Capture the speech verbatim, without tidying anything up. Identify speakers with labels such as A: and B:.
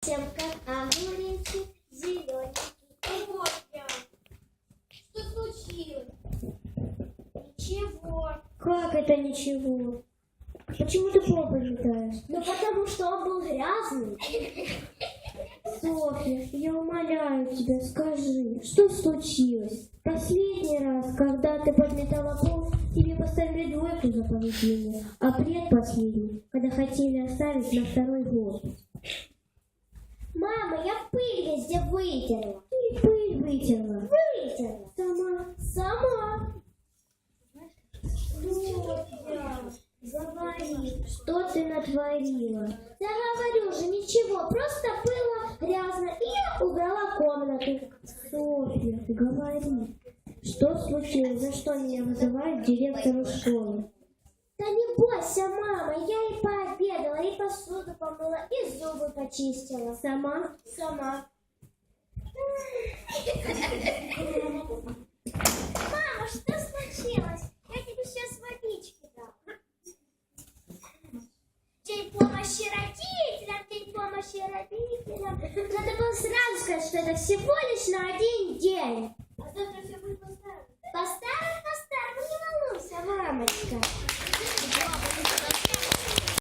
A: совсем как огуречек зелененький.
B: Вот я. Что случилось? Ничего.
A: Как это ничего? Почему ты пол пометаешь?
B: Ну потому что он был грязный.
A: Софья, я умоляю тебя, скажи, что случилось? Последний раз, когда ты подметала пол, тебе поставили двойку за поведение, а предпоследний, когда хотели оставить на второй год.
B: Мама, я пыль везде вытерла.
A: Ты пыль вытерла.
B: Вытерла.
A: Сама.
B: Сама. Вот я. Говори.
A: Что ты натворила?
B: Да говорю же, ничего, просто было грязно, и я убрала комнату.
A: Софья, говори. Что случилось? За что меня вызывает директор школы?
B: Да не бойся, мама, я и пообедала, и посуду помыла, и зубы почистила.
A: Сама?
B: Сама. Мама, что случилось? Я тебе сейчас водички дам. День помощи родителям, день помощи родителям. Надо было сразу сказать, что это всего лишь на один день. А завтра все будет по-старому. По-старому, по-старому, не волнуйся, мамочка.